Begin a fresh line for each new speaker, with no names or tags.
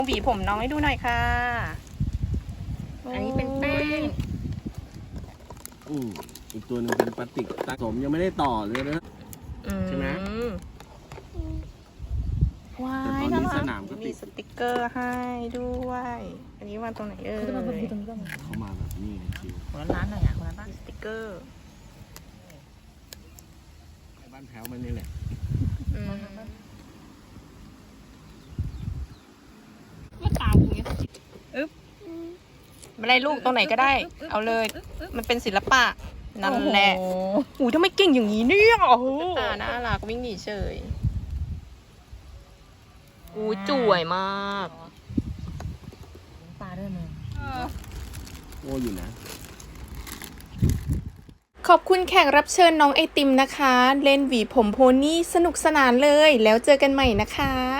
หวีผมน้องให้ดูหน่อยค่ะ
อันนี้เป็นแป้ง
อีกตัวหนึ่งเป็นพลาสติกตัดผมยังไม่ได้ต่อเลยนะ ใช่ไหม
ว้า
แต่
ย
ตอนนี้
น่ารัก
สนามก็ติด
มีสติกเกอร์ให้ด้วย อันนี้วางตรงไหนเอ่ย
เขามาแบบนี้เลยคิว
คนละร้านหน่อยอ่ะคนละร้าน
สติกเกอร์
ไปบ้านแพ้วมันนี่แหละ
ก็ตามอย่างเงี้ย
ไม่ได้ลูกตรงไหนก็ได้ เอาเลย มันเป็นศิลปะ นั่นแหละอู้ทำไมเก่งอย่างนี้เนี่ยโอ้โหตาน่ารักวิ่งหนีเฉยอู้จ่วยมาก
ปลาด้วยมึง
โอ้อยู่นะ
ขอบคุณแขกรับเชิญน้องไอติมนะคะ เล่นหวีผมโพนี่สนุกสนานเลย แล้วเจอกันใหม่นะคะ